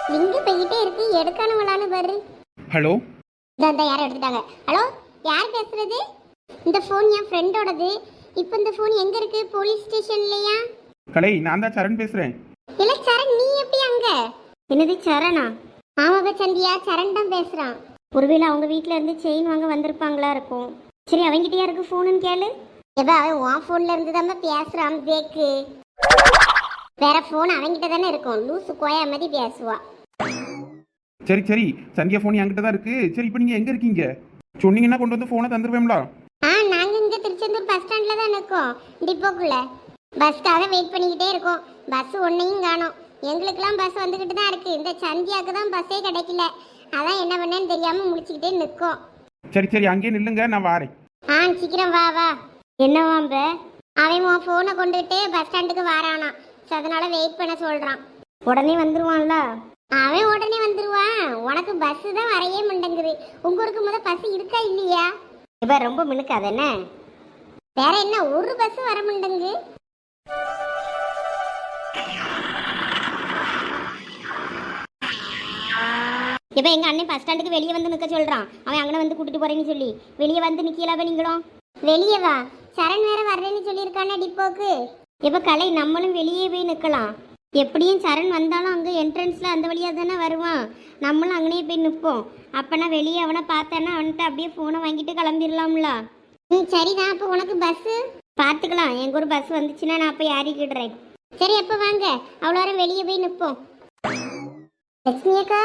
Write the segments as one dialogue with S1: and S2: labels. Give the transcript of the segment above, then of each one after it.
S1: Link போய்கிட்டே இருக்கு, எடுக்கானவளான்னு பாரு.
S2: ஹலோ.
S1: இந்த யாரும் எடுத்துட்டாங்க. ஹலோ, யார் பேசுறது? இந்த ஃபோன் என் ஃப்ரெண்டோடது. இப்போ இந்த ஃபோன் எங்க இருக்கு? போலீஸ் ஸ்டேஷன்லயா?
S2: கலை, நான் தான் சரண் பேசுறேன்.
S1: இல்ல சரண், நீ எப்படி அங்க? என்னது சரணா? ஆமாப்பா சந்தியா, சரண் தான் பேசுறான். ஒருவேளை அவங்க வீட்ல இருந்து செயின் வாங்க வந்திருப்பாங்களா இருக்கும். சரி, அவங்கிட்டயா இருக்கு ஃபோனுன்னு கேளு. எப்ப அவன் உன் ஃபோன்ல இருந்து தான் பேசுறான் பேக்கு. வேற ஃபோன் அவங்கிட்ட தானே இருக்கும். லூசு கோயா மாதிரி பேசுவா.
S2: சரி சரி, சந்தியா ஃபோன் என்கிட்ட தான் இருக்கு. சரி, இப்போ நீங்க எங்க இருக்கீங்க? சொன்னீங்கன்னா கொண்டு வந்து ஃபோனை தந்துருவேங்களா?
S1: நாங்க இங்க திருச்செந்தூர் பஸ் ஸ்டாண்ட்ல தான் இருக்கோம், டிப்போக்குள்ள. பஸ்க்காக வெயிட் பண்ணிக்கிட்டே இருக்கோம். பஸ் ஒன்னையும் காணோம். எங்களுக்கெல்லாம் பஸ் வந்துகிட்டு தான் இருக்கு. இந்த சந்தியாவுக்கு தான் பஸ்ஸே கிடைக்கல. அதான் என்ன பண்ணேன்னு தெரியாம முடிச்சுக்கிட்டே நிற்கும்.
S2: சரி சரி, அங்கேயே நில்லுங்க, நான் வாரேன்.
S1: சீக்கிரம் வா வா. என்னவாம்ப? அவன் உன் ஃபோனை கொண்டுகிட்டு பஸ் ஸ்டாண்டுக்கு வாரானா. அதனால வெயிட் பண்ண சொல்றான். உடனே வந்துருவான்ல? அவன் உடனே வந்துருவான். உனக்கு பஸ் தான் வரையே மாட்டேங்குது. உங்க ஊருக்கு முத பஸ் இருக்கா இல்லையா? இப்ப ரொம்ப மினுக்காது என்ன? வேற என்ன, ஒரு பஸ் வர மாட்டேங்குது. இப்போ எங்க அண்ணன் பஸ் ஸ்டாண்டுக்கு வெளியே வந்து நிற்க சொல்றான். அவன் அங்கே வந்து கூட்டிட்டு போறேன்னு சொல்லி வெளியே வந்து நிக்கலாவே நீங்களும் வெளியே வா. சரண் வேற வர்றேன்னு சொல்லியிருக்கானே டிப்போக்கு. இப்போ கலை, நம்மளும் வெளியே போய் நிற்கலாம். எப்படியும் சரண் வந்தாலும் அங்கே என்ட்ரன்ஸில் அந்த வழியாக தானே வருவான். நம்மளும் அங்கேயே போய் நிற்போம். அப்போனா வெளியே அவனை பார்த்தானா அவன்கிட்ட அப்படியே ஃபோனை வாங்கிட்டு கிளம்பிடலாம்ல. சரிதான். அப்போ உனக்கு பஸ்ஸு பார்த்துக்கலாம். எங்கள் ஒரு பஸ் வந்துச்சுன்னா நான் போய் ஏறிக்கிடுறேன். சரி, அப்போ வாங்க. அவ்வளோ நேரம் வெளியே போய் நிற்போம். லட்சுமி அக்கா.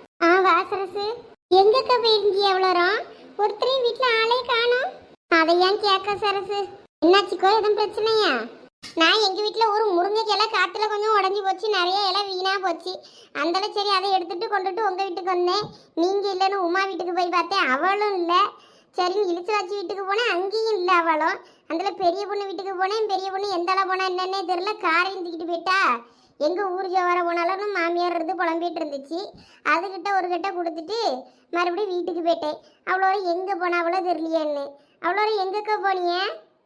S1: வாசரசு, எங்கக்கா போயிருந்தீங்க? எவ்வளோ நேரம்? ஒருத்தரையும் வீட்டில் ஆளே காணோம். அதை ஏன் கேட்க சரசு? என்னாச்சுக்கோ, எதுவும் பிரச்சனையா? நான் எங்கள் வீட்டில் ஒரு முருங்கைக்கெல்லாம் காற்றுல கொஞ்சம் உடஞ்சி போச்சு. நிறைய இலை வீணாக போச்சு. அந்தளவு சரி அதை எடுத்துகிட்டு கொண்டுட்டு உங்கள் வீட்டுக்கு வந்தேன். நீங்கள் இல்லைன்னு உமா வீட்டுக்கு போய் பார்த்தேன், அவளும் இல்லை. சரின்னு இழுத்து வச்சு வீட்டுக்கு போனேன், அங்கேயும் இல்லை அவளும். அதில் பெரிய பொண்ணு வீட்டுக்கு போனேன். பெரிய பொண்ணு எந்த அளவு போனால் என்னன்னே தெரில, காரையும் தூக்கிட்டு போயிட்டா. எங்கள் ஊர் ஜோவர போனாலும் மாமியார் இருந்து புலம்பிட்டு இருந்துச்சு. அதுக்கிட்ட ஒரு கிட்ட கொடுத்துட்டு மறுபடியும் வீட்டுக்கு போயிட்டேன். அவ்வளோ எங்கே போனா அவ்வளோ தெரியலையேன்னு. அவ்வளோ எங்கக்கா போனிய?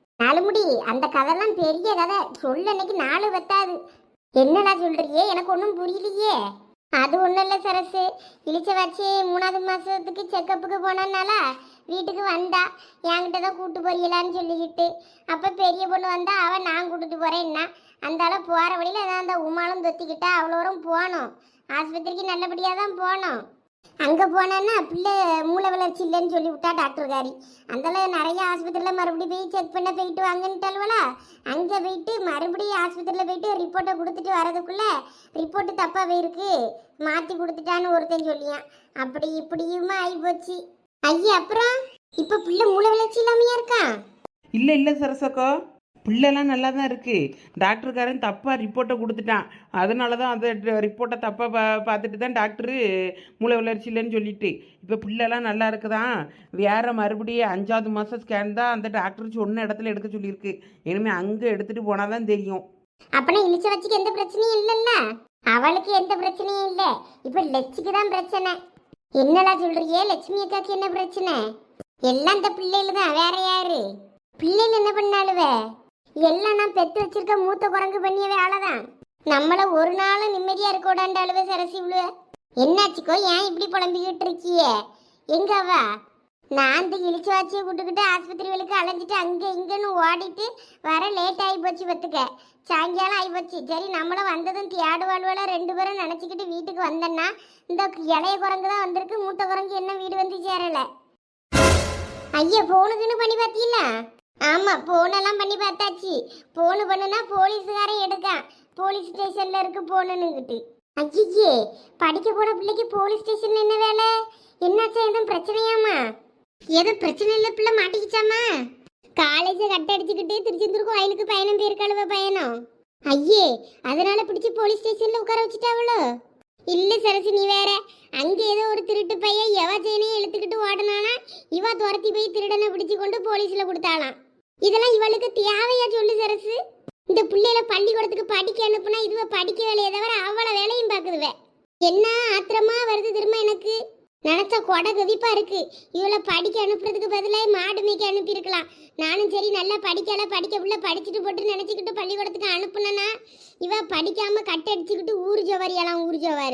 S1: 4 முடி, அந்த கதைலாம் பெரிய கதை. சொல்ல அன்னைக்கு 4 பத்தாது. என்னடா சொல்றியே? எனக்கு ஒன்றும் புரியலையே. அது ஒன்றும் இல்லை சரசு. இழிச்ச வச்சு 3வது மாதத்துக்கு செக்கப்புக்கு போனனால வீட்டுக்கு வந்தா. என்கிட்ட தான் கூப்பிட்டு போறீங்களான்னு சொல்லிக்கிட்டு. அப்போ பெரிய பொண்ணு வந்தா, அவன் நான் கூப்பிட்டு போகிறேன்னா. அந்த அளவு போகிற வழியில் ஏதாவது அந்த உமாலும் தொத்திக்கிட்டா. அவ்வளோரும் போனோம். ஆஸ்பத்திரிக்கு நல்லபடியாக தான் போனோம். அங்கே போனேன்னா பிள்ளை மூளை வளர்ச்சி இல்லைன்னு சொல்லி விட்டா டாக்டர்காரி. அந்தளவு நிறைய ஆஸ்பத்திரியில் மறுபடியும் போய் செக் பண்ண போயிட்டு வாங்கன்ட்டாலுவலா. அங்கே போயிட்டு மறுபடியும் ஆஸ்பத்திரியில் போயிட்டு ரிப்போர்ட்டை கொடுத்துட்டு வரதுக்குள்ளே ரிப்போர்ட்டு தப்பாக போயிருக்கு, மாற்றி கொடுத்துட்டான்னு ஒருத்தன் சொல்லியான். அப்படி இப்படியுமா ஆகிப்போச்சு. ஐயா, அப்புறம் இப்போ பிள்ளை மூளை வளர்ச்சி இல்லாமையா இருக்கான்?
S3: இல்லை இல்லை சரசக்கா, பிள்ளைலாம் நல்லா தான் இருக்குது. டாக்டருக்காரன் தப்பாக ரிப்போர்ட்டை கொடுத்துட்டான். அதனால தான் அந்த ரிப்போர்ட்டை தப்பாக பார்த்துட்டு தான் டாக்டரு மூளை வளர்ச்சி இல்லைன்னு சொல்லிட்டு. இப்போ பிள்ளைலாம் நல்லா இருக்குதான். வேறு மறுபடியும் 5வது மாதம் ஸ்கேன் தான் அந்த டாக்டர் சொன்ன இடத்துல எடுக்க சொல்லியிருக்கு. இனிமேல் அங்கே எடுத்துகிட்டு போனால் தான் தெரியும்.
S1: அப்பனா இழிச்ச வச்சுக்கு எந்த பிரச்சனையும் இல்லைல்ல? அவளுக்கு எந்த பிரச்சனையும் இல்லை. இப்போ லட்சுக்கு தான் பிரச்சனை. என்னடா சொல்றியே? லட்சுமி அக்காக்கு என்ன பிரச்சனை? எல்லாம் இந்த பிள்ளைகள் தான், வேற யாரு? பிள்ளைகள் என்ன பண்ணாலுவே? எல்லாம் நான் பெற்று வச்சிருக்க மூத்த குரங்கு பண்ணிய வேலைதான். நம்மள ஒரு நாளும் நிம்மதியா இருக்க விடாண்டாளுவே சரசி விழுவ. என்னாச்சுக்கோ, ஏன் இப்படி புலம்பிக்கிட்டு இருக்கியே? எங்க அவ? நான் இந்த இழிச்சு வாச்சியை கூட்டுக்கிட்டு ஆஸ்பத்திரிகளுக்கு அலைஞ்சிட்டு அங்கே இங்கன்னு ஓடிட்டு வர லேட் ஆகி போச்சு. பத்துக்க சாயங்காலம் ஆகி போச்சு. சரி, நம்மளும் வந்ததும் தியாடு வாழ்வால 2 பேரும் நினச்சிக்கிட்டு வீட்டுக்கு வந்தேன்னா இந்த இளைய குரங்கு தான் வந்திருக்கு. மூத்த குரங்கு என்ன வீடு வந்து சேரலை. ஐயா, ஃபோனுக்குன்னு பண்ணி பார்த்தீங்கள? ஆமாம், ஃபோனெல்லாம் பண்ணி பார்த்தாச்சு. ஃபோனு பண்ணுனா போலீஸுக்காரன் எடுக்கான். போலீஸ் ஸ்டேஷனில் இருக்கு ஃபோனுன்னுக்கிட்டு. ஐயே, படிக்க போன பிள்ளைக்கு போலீஸ் ஸ்டேஷனில் என்ன வேலை? என்னாச்சா? எதுவும் பிரச்சனையாமா? எதுவும் பிரச்சனை இல்லை, பிள்ளை மாட்டிக்கிச்சாமா? காலேஜை கட்ட அடிச்சுக்கிட்டு திருச்செந்தூருக்கு வயலுக்கு பயணம் போயிருக்காளுவ பயணம். ஐயே, அதனால பிடிச்சி போலீஸ் ஸ்டேஷனில் உட்கார வச்சுட்டாவளோ? இல்லை சரசு, நீ வேற. அங்கே ஏதோ ஒரு திருட்டு பையன் எவ செயினையும் இழுத்துக்கிட்டு ஓடனானா இவ துரத்தி போய் திருடனை பிடிச்சி கொண்டு போலீஸில் கொடுத்தாளாம். இதெல்லாம் இவளுக்கு தேவையா சொல்லு சரசு? இந்த பிள்ளையில பள்ளிக்கூடத்துக்கு படிக்க அனுப்புனா இதுவ படிக்க வேலையை தவிர அவ்வளோ வேலையும் பார்க்குதுவே. என்ன ஆத்திரமா வருது திரும்ப எனக்கு. நினச்சா கொடை கவிப்பா இருக்கு. இவளை படிக்க அனுப்புறதுக்கு பதிலாக மாடு மேய்க்க அனுப்பியிருக்கலாம். நானும் சரி நல்லா படிக்கல, படிக்க புள்ள படிச்சுட்டு போட்டு நினச்சிக்கிட்டு பள்ளிக்கூடத்துக்கு அனுப்புனேன்னா இவ படிக்காம கட்டடிச்சுக்கிட்டு ஊர் ஜோவாரியெல்லாம் ஊர் ஜோவாரு.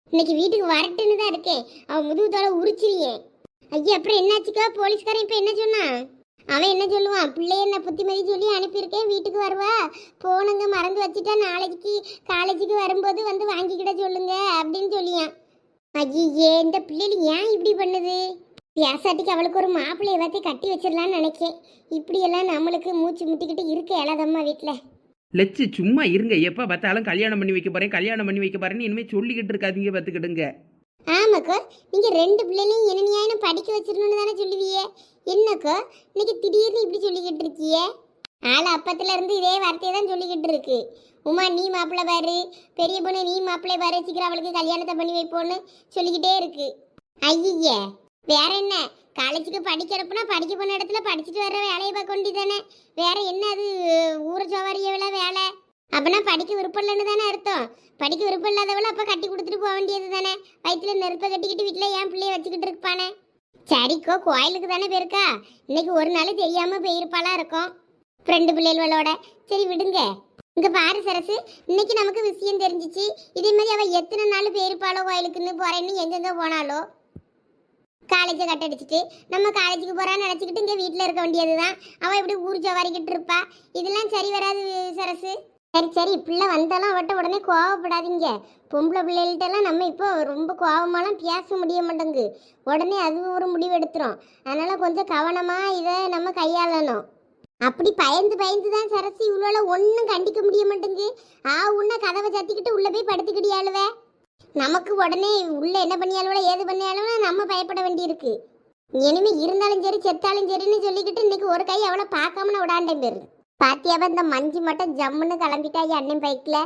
S1: இன்னைக்கு வீட்டுக்கு வரட்டுன்னு தான் இருக்கேன். அவன் முதுகு தோலை உரிச்சிரியே. ஐயா அப்புறம் என்னாச்சுக்கா? போலீஸ்காரன் இப்போ என்ன சொன்னான்? அவன் என்ன சொல்லுவான்? பிள்ளைய என்ன புத்திமதி சொல்லி அனுப்பியிருக்கேன், வீட்டுக்கு வருவா, போனுங்க மறந்து வச்சுட்டா நாளைக்கு காலேஜுக்கு வரும்போது வந்து வாங்கிக்கிட சொல்லுங்க அப்படின்னு சொல்லியான். ஐயே இந்த பிள்ளைகள் ஏன் இப்படி பண்ணுது? பியாசாட்டிக்கு அவளுக்கு ஒரு மாப்பிள்ளைய பார்த்து கட்டி வச்சிடலான்னு நினைக்கேன். இப்படியெல்லாம் நம்மளுக்கு மூச்சு முட்டிக்கிட்டு இருக்க இயலாதம்மா வீட்டில்.
S3: லட்சு சும்மா இருங்க. எப்போ பார்த்தாலும் கல்யாணம் பண்ணி வைக்க போகிறேன் கல்யாணம் பண்ணி வைக்க போகிறேன்னு இனிமேல் சொல்லிக்கிட்டு இருக்காதீங்க, பார்த்துக்கிடுங்க.
S1: ஆமாக்கோ, நீங்கள் 2 பிள்ளைகளையும் என்னையாயினும் படிக்க வச்சிடணும்னு தானே சொல்லுவியே. என்னக்கோ இன்னைக்கு திடீர்னு இப்படி சொல்லிக்கிட்டு இருக்கியே? ஆள் அப்பத்துல இருந்து இதே வார்த்தையை தான் சொல்லிக்கிட்டு இருக்கு. உமா நீ மாப்பிள்ளை பாரு, பெரிய பொண்ணு நீ மாப்பிள்ளை பாரு, சீக்கிரம் அவளுக்கு கல்யாணத்தை பண்ணி வைப்போன்னு சொல்லிக்கிட்டே இருக்கு. ஐயே வேற என்ன, காலேஜுக்கு படிக்கிறப்பனா படிக்க போன இடத்துல படிச்சுட்டு வர்ற வேலையை பார்க்க வேண்டியதானே. வேற என்ன அது ஊரை சவாரியவள வேலை? அப்பனா படிக்க விருப்பம் இல்லைன்னு தானே அர்த்தம். படிக்க விருப்பம் இல்லாதவள அப்போ கட்டி கொடுத்துட்டு போக வேண்டியது தானே. வயிற்றுல நெருப்பை கட்டிக்கிட்டு வீட்டில் ஏன் பிள்ளைய வச்சுக்கிட்டு இருப்பானே. சரிக்கோ கோயிலுக்கு தானே போயிருக்கா, இன்னைக்கு ஒரு நாள் தெரியாமல் போயிருப்பாளா இருக்கும் ஃப்ரெண்டு பிள்ளைகளோட. சரி விடுங்க. இங்கே பாரு சரசு, இன்னைக்கு நமக்கு விஷயம் தெரிஞ்சிச்சு. இதே மாதிரி அவள் எத்தனை நாள் போயிருப்பாளோ கோயிலுக்குன்னு போகிறேன்னு எங்கெங்கே போனாலோ. காலேஜை கட்டடிச்சிட்டு நம்ம காலேஜுக்கு போகிறான்னு நினச்சிக்கிட்டு இங்கே வீட்டில் இருக்க வேண்டியது தான். அவள் இப்படி ஊர் சவாரிக்கிட்டு இருப்பா. இதெல்லாம் சரி வராது சரசு. சரி சரி பிள்ளை வந்தாலும் அவட்ட உடனே கோவப்படாதீங்க. பொம்பளை பிள்ளைகள்கிட்டலாம் நம்ம இப்போ ரொம்ப கோவமாலாம் பேச முடிய மாட்டேங்கு. உடனே அது ஒரு முடிவு எடுத்துரும். அதனால் கொஞ்சம் கவனமாக இதை நம்ம கையாளணும். அப்படி பயந்து பயந்து தான் சரசு இவ்வளோ ஒன்றும் கண்டிக்க முடிய மாட்டேங்கு. உன்ன கதவை சத்திக்கிட்டு உள்ளே போய் படுத்துக்கிட்டியாளுவே. நமக்கு உடனே உள்ளே என்ன பண்ணியாலுவோ ஏது பண்ணியாலும் நம்ம பயப்பட வேண்டியிருக்கு. இனிமே இருந்தாலும் சரி செத்தாலும் சரின்னு சொல்லிக்கிட்டு இன்னைக்கு ஒரு கை அவளை பார்க்காம விடாண்டேன் பேரு. பாத்தியாவ இந்த மஞ்சு மட்டும் ஜம்முன்னு கிளம்பிட்டாய் அண்ணன் பைக்கில்.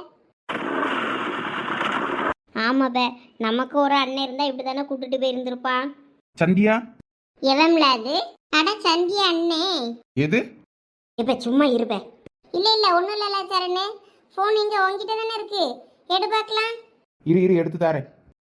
S1: ஆமாப்ப நமக்கு ஒரு அண்ணன் இருந்தா இப்படி தானே கூட்டிட்டு போயிருந்திருப்பான்.
S2: சந்தியா
S1: எவன்ல அது? அட சந்தியா அண்ணே.
S2: எது?
S1: இப்ப சும்மா இருப்ப. இல்ல இல்ல ஒண்ணும் இல்ல சரணே. போன் இங்க உங்ககிட்ட தானே இருக்கு, எடு பார்க்கலாம்.
S2: இரு எடுத்து தாரேன்.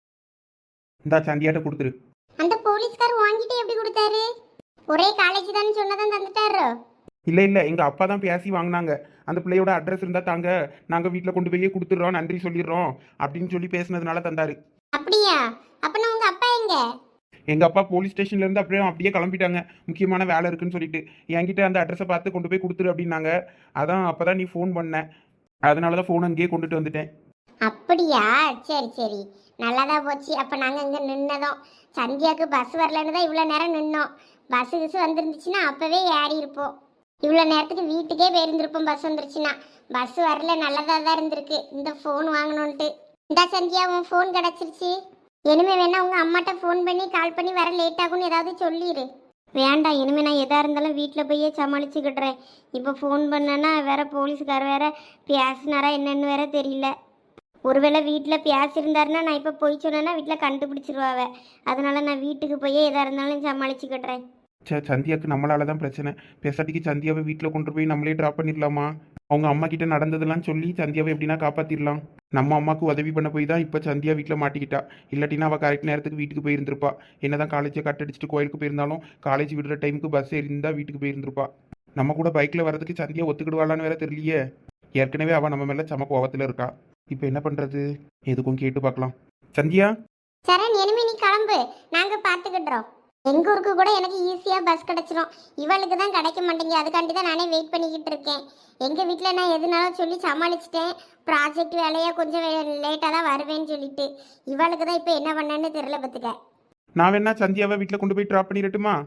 S2: இந்தா சந்தியாட்ட கொடுத்துரு.
S1: அந்த போலீஸ்கார் வாங்கிட்டு எப்படி கொடுத்தாரு? ஒரே காலேஜ் தானே சொன்னதான் தந்துட்டாரு.
S2: இல்லை எங்கள் அப்பா தான் பேசி வாங்கினாங்க. அந்த பிள்ளையோட அட்ரஸ் இருந்தால் தாங்க, நாங்கள் வீட்டில் கொண்டு போய் கொடுத்துட்றோம், நன்றி சொல்லிடுறோம் அப்படின்னு சொல்லி பேசுனதுனால தந்தாரு.
S1: அப்படியா? அப்பனா உங்க அப்பா எங்க?
S2: எங்கள் அப்பா போலீஸ் ஸ்டேஷன்லேருந்து அப்படியே கிளம்பிட்டாங்க, முக்கியமான வேலை இருக்குன்னு சொல்லிட்டு. என்கிட்ட அந்த அட்ரஸை பார்த்து கொண்டு போய் கொடுத்துரு அப்படின்னாங்க. அதான் அப்போ தான் நீ ஃபோன் பண்ண, அதனால தான் ஃபோன் அங்கேயே கொண்டுட்டு வந்துட்டேன்.
S1: அப்படியா? சரி சரி நல்லாதான் போச்சு. அப்போ நாங்கள் இங்கே நின்னதும் சந்தியாவுக்கு பஸ் வரலன்னு தான் இவ்வளோ நேரம் நின்னோம். பஸ்ஸு கிஸ் வந்துருந்துச்சுன்னா அப்போவே ஏறி இருப்போம். இவ்வளோ நேரத்துக்கு வீட்டுக்கே போயிருந்திருப்போம் பஸ் வந்துருச்சுன்னா. பஸ் வரல, நல்லதாக தான் இருந்திருக்கு இந்த ஃபோன் வாங்கணுன்ட்டு. இந்த சந்தியா உன் ஃபோன் கிடச்சிருச்சு. இனிமே வேணா உங்கள் அம்மாட்ட ஃபோன் பண்ணி கால் பண்ணி வர லேட் ஆகும்னு ஏதாவது சொல்லிடு. வேண்டாம், இனிமேல் நான் எதாக இருந்தாலும் வீட்டில் போயே சமாளிச்சுக்கிட்டுறேன். இப்போ ஃபோன் பண்ணேன்னா வேற போலீஸ்கார் வேற பேசினாரா என்னன்னு வேற தெரியல. ஒருவேளை வீட்டில் பேசியிருந்தாருன்னா நான் இப்போ போய் சொன்னேன்னா வீட்டில் கண்டுபிடிச்சிருவாவ. அதனால நான் வீட்டுக்கு போய் எதாக இருந்தாலும் சமாளிச்சுக்கிட்டுறேன்.
S2: சந்தியாவுக்கு நம்மளால தான் பிரச்சனை. பேசாட்டிக்கு சந்தியாவை வீட்டில் கொண்டு போய் நம்மளே ட்ராப் பண்ணிடலாமா? அவங்க அம்மா கிட்ட நடந்ததெல்லாம் சொல்லி சந்தியாவை எப்படின்னா காப்பாற்றிடலாம். நம்ம அம்மாவுக்கு உதவி பண்ண போய் தான் இப்போ சந்தியா வீட்டில் மாட்டிக்கிட்டா. இல்லாட்டினா அவள் கரெக்ட் நேரத்துக்கு வீட்டுக்கு போயிருந்திருப்பா. என்னதான் காலேஜை கட் அடிச்சுட்டு கோயிலுக்கு போயிருந்தாலும் காலேஜ் விடுற டைமுக்கு பஸ் ஏறிந்தா வீட்டுக்கு போயிருந்திருப்பா. நம்ம கூட பைக்கில் வரதுக்கு சந்தியா ஒத்துக்கிடுவாளான்னு வேற தெரியலையே. ஏற்கனவே அவள் நம்ம மேலே சம கோவத்தில் இருக்கா. இப்போ என்ன பண்ணுறது? எதுக்கும் கேட்டு பார்க்கலாம். சந்தியா
S1: சரண், இனிமே நீ கிளம்பு, நாங்கள் பார்த்துக்கிட்டுறோம். எங்கள் ஊருக்கு கூட எனக்கு ஈஸியாக பஸ் கிடச்சிரும். இவளுக்கு தான் கிடைக்க மாட்டேங்க. அதுக்காண்டி தான் நானே வெயிட் பண்ணிக்கிட்டு இருக்கேன். எங்கள் வீட்டில் நான் எதுனாலும் சொல்லி சமாளிச்சிட்டேன். ப்ராஜெக்ட் வேலையாக கொஞ்சம் லேட்டாக தான் வருவேன்னு சொல்லிட்டு. இவளுக்கு தான் இப்போ என்ன பண்ணேன்னு தெரியல பார்த்துக்க.
S2: நான் வேணா சந்தியாவை வீட்டில் கொண்டு போய் ட்ராப் பண்ணிடட்டுமா?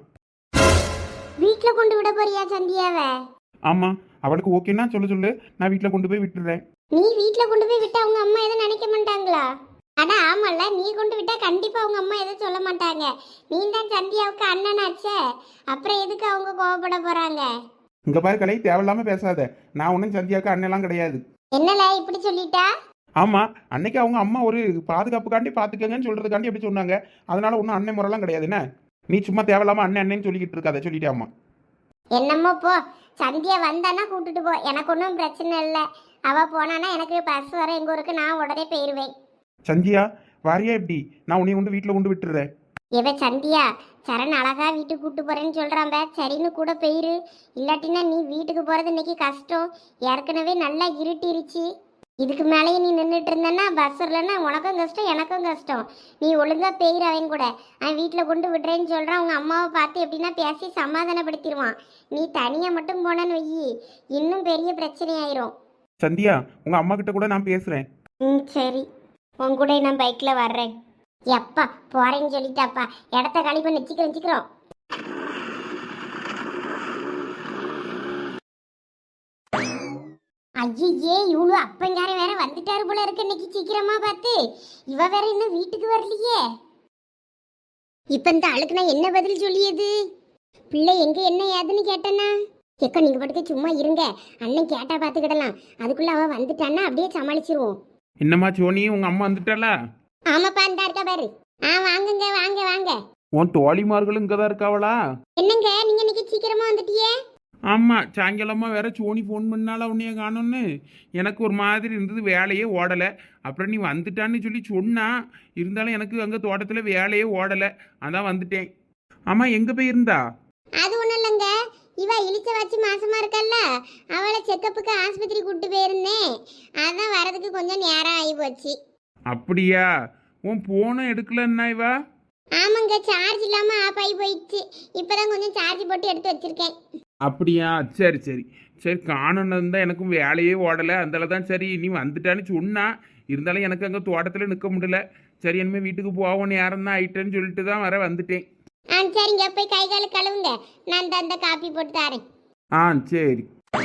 S1: வீட்டில் கொண்டு விட போறியா சந்தியாவை?
S2: ஆமாம், அவளுக்கு ஓகேன்னா சொல்லு, நான் வீட்டில் கொண்டு போய் விட்டுடுறேன்.
S1: நீ வீட்டில் கொண்டு போய் விட்டா அவங்க அம்மா எதுவும் நினைக்க மாட்டாங்களா? அட ஆமாம்ல, நீ கொண்டு விட்டா கண்டிப்பாக அவங்க அம்மா எதுவும் சொல்ல மாட்டாங்க. நீ தான் சந்தியாவுக்கு அண்ணனாச்சே, அப்புறம் எதுக்கு அவங்க கோவப்பட போகிறாங்க?
S2: இங்கே பாரு கலை, தேவையில்லாமல் பேசாத. நான் ஒன்றும் சந்தியாவுக்கு அண்ணெல்லாம் கிடையாது.
S1: என்னல இப்படி சொல்லிட்டா?
S2: ஆமாம், அன்னைக்கு அவங்க அம்மா ஒரு பாதுகாப்புக்காண்டி பார்த்துக்கங்கன்னு சொல்கிறதுக்காண்டி எப்படி சொன்னாங்க. அதனால ஒன்றும் அண்ணன் முறைலாம் கிடையாது. என்ன நீ சும்மா தேவையில்லாமல் அண்ணன்னு சொல்லிக்கிட்டு இருக்காத, சொல்லிட்டே அம்மா.
S1: என்னமோ போ. சந்தியா வந்தானா கூட்டிட்டு போ, எனக்கு ஒன்றும் பிரச்சனை இல்லை. அவள் போனானா எனக்கு பஸ் வர எங்கள் ஊருக்கு நான் உடனே போயிடுவேன்.
S2: சந்தியா வாரியா எப்படி? நான் உன்னை கொண்டு வீட்டில் கொண்டு விட்டுறேன்.
S1: இவ சந்தியா சரண் அழகா வீட்டுக்கு கூட்டு போறேன்னு சொல்றான். சரின்னு கூட போயிரு. இல்லாட்டினா நீ வீட்டுக்கு போறது இன்னைக்கு கஷ்டம். ஏற்கனவே நல்லா இருட்டிருச்சு. இதுக்கு மேலேயே நீ நின்றுட்டு இருந்தேன்னா பஸ் இல்லைன்னா உனக்கும் கஷ்டம் எனக்கும் கஷ்டம். நீ ஒழுங்கா பெயிர் அவன் கூட அவன் வீட்டில் கொண்டு விடுறேன்னு சொல்கிறான். அவங்க அம்மாவை பார்த்து எப்படின்னா பேசி சமாதானப்படுத்திடுவான். நீ தனியாக மட்டும் போனேன்னு வையி இன்னும் பெரிய பிரச்சனை ஆயிரும்.
S2: சந்தியா உங்கள் அம்மா கிட்ட கூட நான் பேசுகிறேன்.
S1: ம் சரி, உன் கூட நான் பைக்கில் வர்றேன். எப்பா போறேன்னு சொல்லிட்டாப்பா, இடத்த காலி பண்ணி சீக்கிரம். ஐயே இவ்வளோ அப்பங்கார வேற வந்துட்டாரு போல இருக்கு இன்னைக்கு சீக்கிரமா பார்த்து. இவ வேற இன்னும் வீட்டுக்கு வரலையே. இப்ப இந்த ஆளுக்கு நான் என்ன பதில் சொல்லியது? பிள்ளை எங்க என்ன ஏதுன்னு கேட்டேன்னா எக்க நீங்க பாட்டுக்கு சும்மா இருங்க, அண்ணன் கேட்டா பாத்துக்கிடலாம். அதுக்குள்ள அவ வந்துட்டான்னா அப்படியே சமாளிச்சிருவோம்.
S2: என்னம்மா சோனி உங்கள் அம்மா வந்துட்டாளா?
S1: ஆமாப்பா இந்த இருக்கா பாரு. வாங்குங்க வாங்க.
S2: உன் தோழிமார்களும் இங்கே தான் இருக்காவளா?
S1: என்னங்க நீங்க இன்னைக்கு சீக்கிரமா வந்துட்டியே?
S2: ஆமாம், சாயங்காலமாக வேற சோனி ஃபோன் பண்ணால உன்னைய காணோன்னு எனக்கு ஒரு மாதிரி இருந்தது, வேலையே ஓடலை. அப்புறம் நீ வந்துட்டான்னு சொல்லி சொன்னா, இருந்தாலும் எனக்கு அங்கே தோட்டத்தில் வேலையே ஓடலை, அதான் வந்துட்டேன். ஆமாம் எங்கே போய் இருந்தா?
S1: அது ஒண்ணும் இல்லைங்க, இவ இழிச்ச வச்சு மாசமா இருக்கல்ல, அவளை செக்கப்புக்கு ஆஸ்பத்திரி கூட்டு போயிருந்தேன். அதான் வரதுக்கு கொஞ்சம் நேரம் ஆகி போச்சு.
S2: அப்படியா? உன் போனும் எடுக்கலன்னா இவா?
S1: ஆமாங்க, சார்ஜ் இல்லாம ஆஃப் ஆகி போயிடுச்சு. இப்பதான் கொஞ்சம் சார்ஜ் போட்டு எடுத்து வச்சிருக்கேன்.
S2: அப்படியா? சரி சரி சரி, காணணும் தான் எனக்கும் வேலையே ஓடலை, அதனால தான் சரி நீ வந்துட்டான்னு சொன்னா. இருந்தாலும் எனக்கு அங்கே தோட்டத்தில் நிற்க முடியல. சரி இனிமேல் வீட்டுக்கு போவோம், நேரம் தான் ஆயிட்டேன்னு சொல்லிட்டு தான் வர வந்துட்டேன்.
S1: சரிங்க, போய் கை கால கழுவுங்க, நான் அந்த காப்பி போட்டு தரேன்.
S2: சரி.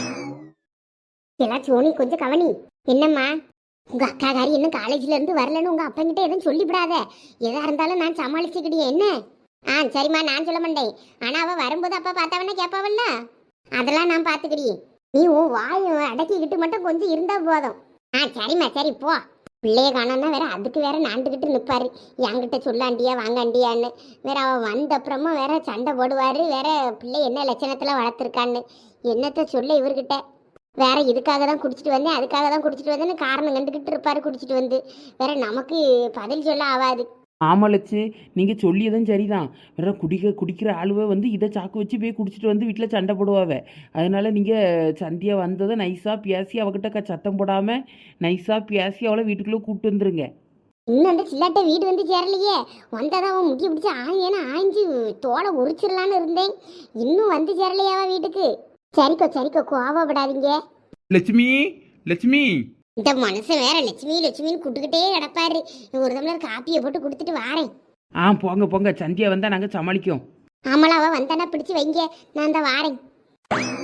S1: எல்லாம் சோனி கொஞ்சம் கவனி. என்னம்மா உங்க அக்காக்காரி இன்னும் காலேஜ்ல இருந்து வரலன்னு உங்க அப்பங்கிட்ட எதுவும் சொல்லிவிடாத. எதா இருந்தாலும் நான் சமாளிச்சுக்கிட்டே என்ன. சரிம்மா, நான் சொல்ல மாட்டேன். ஆனா அவ வரும்போது அப்பா பார்த்தாவன்னா கேட்பாவல்ல, அதெல்லாம் நான் பார்த்துக்கிட்டேன். நீ உன் வாயை அடக்கிக்கிட்டு மட்டும் கொஞ்சம் இருந்தா போதும். சரிம்மா சரி போ. பிள்ளைய காணோன்னா வேற அதுக்கு வேற நாண்டுக்கிட்டு நிற்பாரு, என்கிட்ட சொல்லாண்டியா வாங்காண்டியான்னு. வேற அவன் வந்த அப்புறமா வேற சண்டை போடுவாரு, வேற பிள்ளை என்ன லட்சணத்துல வளர்த்துருக்கான்னு என்னத்த சொல்ல இவர்கிட்ட. வேற இதுக்காக தான் குடிச்சிட்டு வந்தேன், அதுக்காக தான் குடிச்சிட்டு வந்தேன்னு காரணம் கண்டுக்கிட்டு இருப்பாரு குடிச்சிட்டு வந்து. வேற நமக்கு பதில் சொல்ல ஆகாது.
S3: ஆமாலச்சு, நீங்கள் சொல்லியதும் சரிதான். வேற குடிக்கிற ஆளுவை வந்து இதை சாக்கு வச்சு போய் குடிச்சிட்டு வந்து வீட்டில் சண்டை போடுவாவ. அதனால நீங்கள் சந்தியா வந்ததை நைஸாக பேசி அவகிட்ட சத்தம் போடாமல் நைஸாக பேசி அவளை வீட்டுக்குள்ளே கூப்பிட்டு வந்துருங்க.
S1: இன்னும் அந்த சில்லாட்ட வீடு வந்து சேரலையே. வந்தாதான் அவன் முக்கிய பிடிச்சி ஆய்ஞ்சு தோலை உரிச்சிடலான்னு இருந்தேன். இன்னும் வந்து சேரலையாவா வீட்டுக்கு? சரிக்கோ கோவப்படாதீங்க.
S2: லட்சுமி லட்சுமி,
S1: இந்த மனுஷன் வேற லட்சுமின்னு கூட்டுக்கிட்டே கிடப்பாரு. ஒரு டம்ளர் காப்பியை போட்டு கொடுத்துட்டு வாரேன்.
S3: போங்க சந்தியா வந்தால் நாங்கள் சமாளிக்கோம்.
S1: ஆமாளா, அவ வந்தானா பிடிச்சு வைங்க, நான் தான் வாரேன்.